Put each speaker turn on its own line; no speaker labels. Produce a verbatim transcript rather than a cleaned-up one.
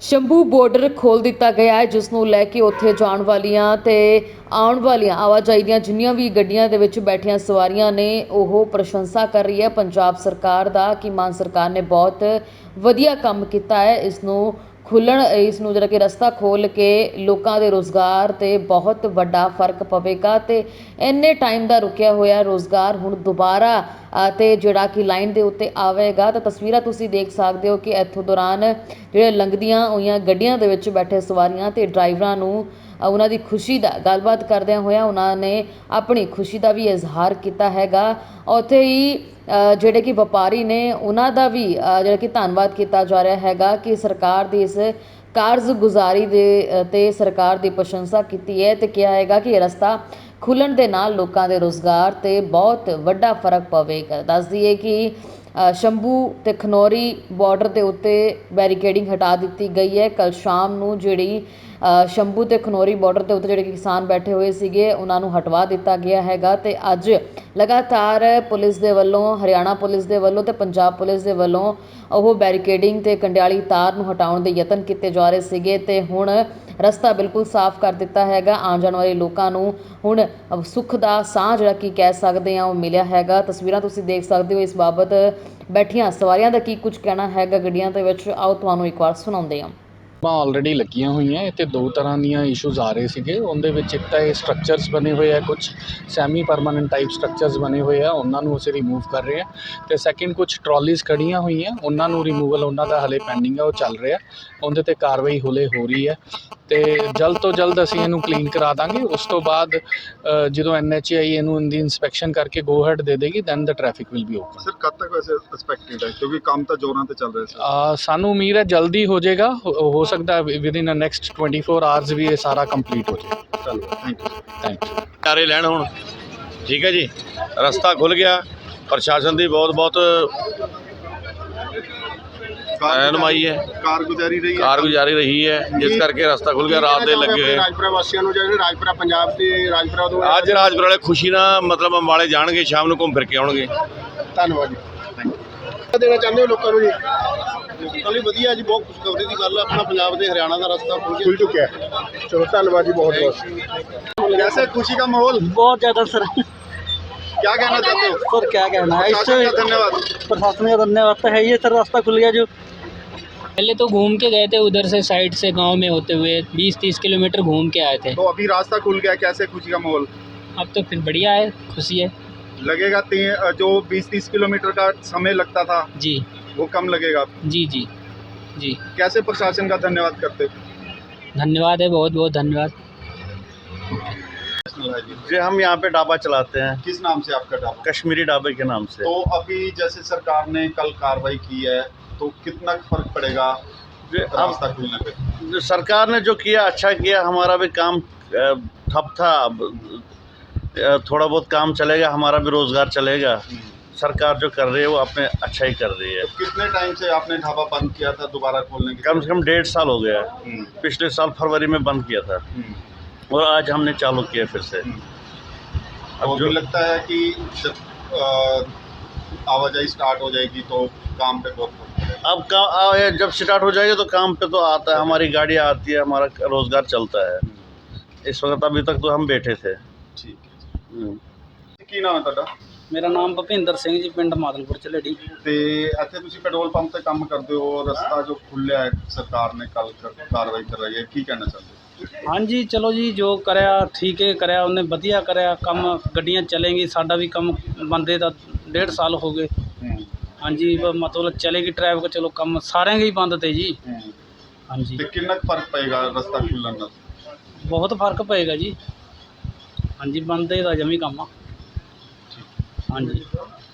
Shambhu border खोल दिता गया है, जिस नूं लैके उत्थे जाण वालियां ते आउण वालियां आवाजाई दीयां जिन्नियां भी गड्डियां दे विच बैठियां सवारियां ने ओह प्रशंसा कर रही है पंजाब सरकार दा कि मान सरकार ने बहुत वधिया काम कीता है। इस नूं खुल्लण इस नूं जिहड़ा कि रस्ता खोल के लोकां दे रोज़गार ते बहुत वड्डा फर्क पवेगा ते इन्ने टाइम दा रुकिया होया रोज़गार हुण दुबारा ते जिहड़ा कि लाइन दे उत्ते आवेगा। तो तस्वीरां तुसीं देख सकदे हो कि इत्थों दौरान ਜਿਹੜੇ ਲੰਘਦੀਆਂ ਹੋਈਆਂ ਗੱਡੀਆਂ ਦੇ ਵਿੱਚ ਬੈਠੇ ਸਵਾਰੀਆਂ ਤੇ ਡਰਾਈਵਰਾਂ ਨੂੰ ਉਹਨਾਂ ਦੀ ਖੁਸ਼ੀ ਦਾ ਗੱਲਬਾਤ ਕਰਦਿਆਂ ਹੋਇਆ ਉਹਨਾਂ ਨੇ ਆਪਣੀ ਖੁਸ਼ੀ ਦਾ ਵੀ ਇਜ਼ਹਾਰ ਕੀਤਾ ਹੈਗਾ। ਉੱਥੇ ਹੀ ਜਿਹੜੇ ਕਿ ਵਪਾਰੀ ਨੇ ਉਹਨਾਂ ਦਾ ਵੀ ਜਿਹੜਾ ਕਿ ਧੰਨਵਾਦ ਕੀਤਾ ਜਾ ਰਿਹਾ ਹੈਗਾ ਕਿ ਸਰਕਾਰ ਦੀ ਇਸ ਕਾਰਜਗੁਜ਼ਾਰੀ ਦੇ ਤੇ ਸਰਕਾਰ ਦੀ ਪ੍ਰਸ਼ੰਸਾ ਕੀਤੀ ਹੈ ਤੇ ਕਿਹਾ ਹੈਗਾ ਕਿ ਇਹ ਰਸਤਾ ਖੁੱਲਣ ਦੇ ਨਾਲ ਲੋਕਾਂ ਦੇ ਰੋਜ਼ਗਾਰ ਤੇ ਬਹੁਤ ਵੱਡਾ ਫਰਕ ਪਵੇਗਾ। ਦੱਸ ਦਈਏ ਕਿ शंभू ते खनौरी बॉर्डर के उत्ते बैरीकेडिंग हटा दी गई है। कल शाम नूं जिहड़ी शंभू ते खनौरी बॉर्डर के उत्ते जिहड़े किसान बैठे हुए सीगे उन्हां नूं हटवा दिता गया हैगा ते अज लगातार पुलिस दे वल्लों हरियाणा पुलिस दे वल्लों ते पंजाब पुलिस दे वल्लों ਉਹ बैरीकेडिंग ते कंडियाली तार ਨੂੰ हटाउण ਦੇ ਯਤਨ ਕੀਤੇ ਜਾ ਰਹੇ ਸੀਗੇ ਤੇ ਹੁਣ ਰਸਤਾ ਬਿਲਕੁਲ ਸਾਫ਼ ਕਰ ਦਿੱਤਾ ਹੈਗਾ। ਆਉਣ ਜਾਣ ਵਾਲੇ ਲੋਕਾਂ ਨੂੰ ਹੁਣ ਸੁੱਖ ਦਾ ਸਾਹ ਜਿਹੜਾ ਕੀ ਕਹਿ ਸਕਦੇ ਆ ਉਹ ਮਿਲਿਆ ਹੈਗਾ। ਤਸਵੀਰਾਂ ਤੁਸੀਂ ਦੇਖ ਸਕਦੇ ਹੋ। ਇਸ ਬਾਬਤ ਬੈਠੀਆਂ ਸਵਾਰੀਆਂ ਦਾ ਕੀ ਕੁਝ ਕਹਿਣਾ ਹੈਗਾ ਗੱਡੀਆਂ ਦੇ ਵਿੱਚ, ਆਓ ਤੁਹਾਨੂੰ ਇੱਕ ਵਾਰ ਸੁਣਾਉਂਦੇ ਹਾਂ।
ਆਲਰੇਡੀ ਲੱਗੀਆਂ ਹੋਈਆਂ ਇੱਥੇ ਦੋ ਤਰ੍ਹਾਂ ਦੀਆਂ ਇਸ਼ੂਜ਼ ਆ ਰਹੇ ਸੀਗੇ। ਉਹਦੇ ਵਿੱਚ ਇੱਕ ਤਾਂ ਇਹ ਸਟਰਕਚਰਸ ਬਣੇ ਹੋਏ ਆ, ਕੁਝ ਸੈਮੀ ਪਰਮਾਨੈਂਟ ਟਾਈਪ ਸਟਰਕਚਰਸ ਬਣੇ ਹੋਏ ਆ, ਉਹਨਾਂ ਨੂੰ ਅਸੀਂ ਰਿਮੂਵ ਕਰ ਰਹੇ ਹਾਂ। ਅਤੇ ਸੈਕਿੰਡ ਕੁਝ ਟਰੋਲੀਜ਼ ਖੜ੍ਹੀਆਂ ਹੋਈਆਂ ਉਹਨਾਂ ਨੂੰ ਰਿਮੂਵਲ ਉਹਨਾਂ ਦਾ ਹਾਲੇ ਪੈਂਡਿੰਗ ਆ, ਉਹ ਚੱਲ ਰਿਹਾ। ਉਹਦੇ 'ਤੇ ਕਾਰਵਾਈ ਹੁਲੇ ਹੋ ਰਹੀ ਹੈ ਅਤੇ ਜਲਦ ਤੋਂ ਜਲਦ ਅਸੀਂ ਇਹਨੂੰ ਕਲੀਨ ਕਰਾ ਦਾਂਗੇ। ਉਸ ਤੋਂ ਬਾਅਦ ਜਦੋਂ ਐਨ ਐਚ ਏ ਆਈ ਇਹਨੂੰ ਇਹਦੀ ਇੰਸਪੈਕਸ਼ਨ ਕਰਕੇ ਗੋ ਹੈਡ ਦੇ ਦੇਗੀ then the traffic will be open.
Sir ਕਦ ਤੱਕ ਵੈਸੇ ਐਕਸਪੈਕਟਡ ਹੈ, ਕਿਉਂਕਿ ਕੰਮ ਤਾਂ ਜ਼ੋਰਾਂ 'ਤੇ ਚੱਲ ਰਿਹਾ ਸੀ।
ਸਾਨੂੰ ਉਮੀਦ ਹੈ ਜਲਦੀ ਹੋ ਜਾਏਗਾ, ਹੋ ਸਕਦਾ within a next twenty four hours ਵੀ ਇਹ ਸਾਰਾ ਕੰਪਲੀਟ ਹੋ ਜਾਏ।
ਚਲੋ ਥੈਂਕ ਯੂ
ਥੈਂਕ ਯੂ।
ਚਾਰੇ ਲੈਣ ਹੁਣ ਠੀਕ ਹੈ ਜੀ, ਰਸਤਾ ਖੁੱਲ ਗਿਆ। ਪ੍ਰਸ਼ਾਸਨ ਦੀ ਬਹੁਤ ਬਹੁਤ ਰਹਿਨੁਮਾਈ ਹੈ,
ਕਾਰਗੁਜ਼ਾਰੀ ਰਹੀ ਹੈ
ਕਾਰਗੁਜ਼ਾਰੀ ਰਹੀ ਹੈ, ਜਿਸ ਕਰਕੇ ਰਸਤਾ ਖੁੱਲ ਗਿਆ। ਰਾਤ ਦੇ ਲੱਗੇ ਹੋਏ
ਰਾਜਪੁਰਾ ਵਾਸੀਆਂ ਨੂੰ, ਜਿਹੜੇ ਰਾਜਪੁਰਾ ਪੰਜਾਬ ਤੇ ਰਾਜਪੁਰਾ ਤੋਂ
ਅੱਜ ਰਾਜਪੁਰਾ ਵਾਲੇ ਖੁਸ਼ੀ ਨਾਲ ਮਤਲਬ ਅੰਬਾਲੇ ਜਾਣਗੇ, ਸ਼ਾਮ ਨੂੰ ਘੁੰਮ ਫਿਰ ਕੇ ਆਉਣਗੇ।
ਧੰਨਵਾਦ ਜੀ। Thank you. ਦੇਣਾ ਚਾਹੁੰਦੇ ਹੋ ਲੋਕਾਂ ਨੂੰ ਜੀ? ਚਲੋ ਵਧੀਆ ਜੀ, ਬਹੁਤ ਖੁਸ਼ਖਬਰੀ ਦੀ ਗੱਲ ਹੈ। ਆਪਣਾ ਪੰਜਾਬ ਦੇ ਹਰਿਆਣਾ ਦਾ ਰਸਤਾ ਖੁੱਲ ਚੁੱਕਿਆ ਹੈ। ਚਲੋ ਧੰਨਵਾਦ ਜੀ, ਬਹੁਤ बहुत। कैसे खुशी का माहौल?
बहुत ज़्यादा सर।
क्या कहना चाहते हो
सर? क्या कहना है इससे?
धन्यवाद,
प्रशासन का धन्यवाद तो है ही। सर रास्ता खुल गया जो
पहले तो घूम के गए थे उधर से साइड से गांव में होते हुए बीस तीस किलोमीटर घूम के आए थे।
तो अभी रास्ता खुल गया, कैसे खुशी का माहौल?
अब तो फिर बढ़िया है, खुशी है।
लगेगा जो बीस तीस किलोमीटर का समय लगता था
जी
वो कम लगेगा?
जी जी जी।
कैसे प्रशासन का धन्यवाद करते?
धन्यवाद है, बहुत बहुत धन्यवाद।
जी हम यहाँ पे ढाबा चलाते हैं।
किस नाम से आपका ढाबा?
कश्मीरी ढाबे के नाम से।
तो अभी जैसे सरकार ने कल कार्रवाई की है तो कितना फर्क पड़ेगा रास्ता खुलने पे?
जो सरकार ने जो किया अच्छा किया। हमारा भी काम ठप था, थोड़ा बहुत काम चलेगा, हमारा भी रोज़गार चलेगा। सरकार जो कर रही है वो अपने अच्छा ही कर रही है।
तो कितने टाइम से आपने ढाबा बंद किया था दोबारा खोलने के?
कम से कम डेढ़ साल हो गया है। पिछले साल फरवरी में बंद किया था और आज हमने चालू किया फिर से।
अब जो लगता है कि जब आवाजाही स्टार्ट हो जाएगी तो काम पे बहुत
अब काम जब स्टार्ट हो जाएगा तो काम पे तो आता है, हमारी गाड़ियाँ आती है, हमारा रोज़गार चलता है। इस वक्त अभी तक तो हम बैठे थे।
ठीक है। ਕੀ ਨਾਮ ਹੈ ਤੁਹਾਡਾ?
मेरा नाम भुपिंदर सिंह जी, पिंड मादलपुर झलेड़ी।
ਤੇ ਇੱਥੇ ਤੁਸੀਂ ਪੈਟਰੋਲ ਪੰਪ ਤੇ ਕੰਮ ਕਰਦੇ ਹੋ, ਰਸਤਾ ਜੋ ਖੁੱਲਿਆ ਹੈ ਸਰਕਾਰ ਨੇ ਕੱਲ ਕਾਰਵਾਈ ਕਰ ਰਹੀ ਹੈ, ਕੀ ਕਹਿਣਾ ਚਾਹੁੰਦੇ ਹੋ?
हाँ जी चलो जी, जो कराया ठीक है, कराया उन्हें वधिया कराया कम। गड्डियाँ चलेंगी, साडा भी कम बंदे का डेढ़ साल हो गए। हाँ जी मतलब चलेगी ट्रैफिक, चलो कम सारे ही बंद थे जी। हाँ जी।
ਤੇ ਕਿੰਨਾ ਕੁ ਫਰਕ ਪਏਗਾ ਰਸਤਾ ਖੁੱਲਣ ਨਾਲ?
बहुत फर्क पेगा जी। हाँ जी बंदे का जमी कम आ। हाँ जी।